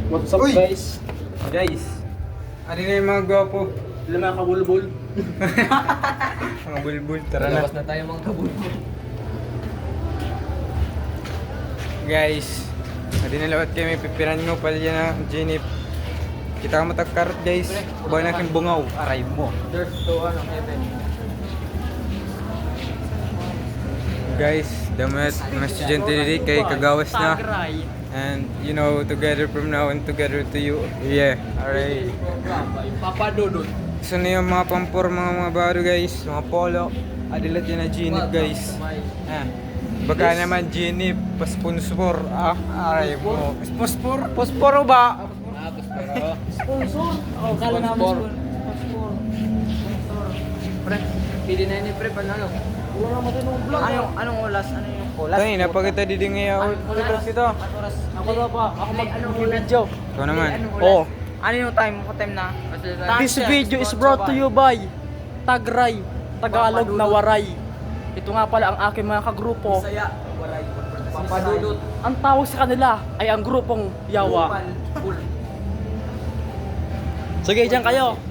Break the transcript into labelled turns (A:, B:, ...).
A: What's up,
B: Uy!
A: guys?
B: Guys, ano na yung mga gwapo?
A: Sila mga kabulbul.
B: Mga bulbul, tara na.
A: Labas na tayo mga kabulbul.
B: Guys, hindi na lawat kayo may pipiran ngo pala dyan na Jenip. Kita ka matagkarot guys, kubang na aking bungaw, aray mo.
A: There's to heaven.
B: Guys, damat mga estudyante dito kay kagawas na. And you know, together from now and together to you. Yeah, alright.
A: Papa Dodot.
B: So na yung mga pampor, mga baro guys, mga polo. Adilat yan na Jenip guys. Ah. Baka naman Jenip, pasponsor. Ah, aray mo. Paspor? Pasporo ba?
C: Sponsor? Oh, kala namin sponsor.
A: Pre, pili na yun pre, panalo.
C: Wala naman din ng vlog.
A: Anong oras? Ano yung oras?
B: Tayo, napakita din ngayon. Oras kita.
A: Oras?
C: Ako na pa. Ako
A: Anong
C: mag-video.
B: Ikaw naman.
C: Oh.
A: Ano yung time? What time na?
C: This video is brought to you by Tagray, Tagalog na Waray. Ito nga pala ang aking mga kagrupo.
A: Saya. Papa Dodot.
C: Ang tawag sa kanila ay ang grupong Yawa.
A: Bull.
C: Sige, dyan kayo.